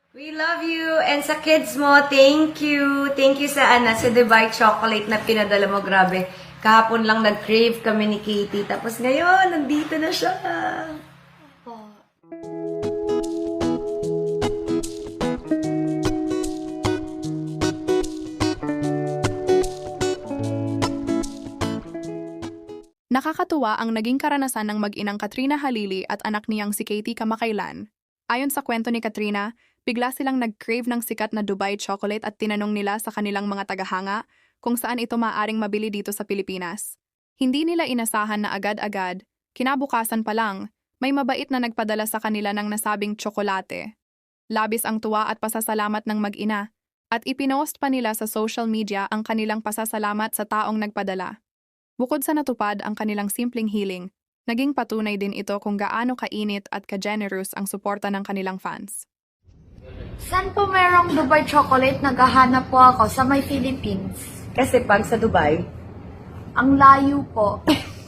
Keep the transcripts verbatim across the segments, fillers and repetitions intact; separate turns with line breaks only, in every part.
We love you. And sa kids mo, thank you. Thank you sa ana, sa Dubai chocolate na pinadala mo. Grabe. Kahapon lang nag-crave kami ni Katie. Tapos ngayon, nandito na siya.
Nakakatuwa ang naging karanasan ng mag-inang Katrina Halili at anak niyang si Katie kamakailan. Ayon sa kwento ni Katrina, bigla silang nag-crave ng sikat na Dubai chocolate at tinanong nila sa kanilang mga tagahanga kung saan ito maaring mabili dito sa Pilipinas. Hindi nila inasahan na agad-agad, kinabukasan pa lang, may mabait na nagpadala sa kanila ng nasabing tsokolate. Labis ang tuwa at pasasalamat ng mag-ina, at ipinost pa nila sa social media ang kanilang pasasalamat sa taong nagpadala. Bukod sa natupad ang kanilang simpleng hiling, naging patunay din ito kung gaano kainit at ka-generous ang suporta ng kanilang fans.
Saan po merong Dubai chocolate? Naghahanap po ako sa may Philippines.
Kasi pag sa Dubai,
Ang layo po.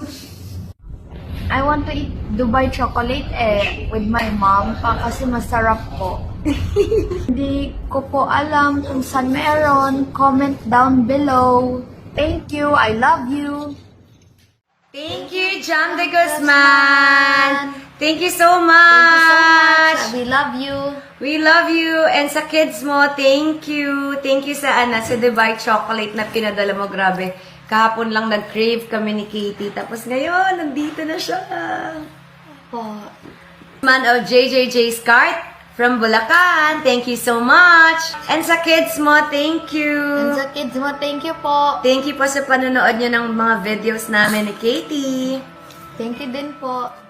I want to eat Dubai chocolate eh with my mom pa kasi masarap po. Hindi ko po alam kung saan meron. Comment down below. Thank you. I love you.
thank you, Jam de Guzman. Thank you so much.
Thank you so much. We love you.
We love you. And sa kids mo, thank you. Thank you sa ana, sa Dubai chocolate na pinadala mo. Grabe. Kahapon lang nag-crave kami ni Katie. Tapos ngayon, nandito na siya.
Po.
Man of J J J's Cart from Bulacan. Thank you so much. And sa kids mo, thank you.
And sa kids mo, thank you po.
Thank you po sa panonood nyo ng mga videos namin ni Katie.
Thank you din po.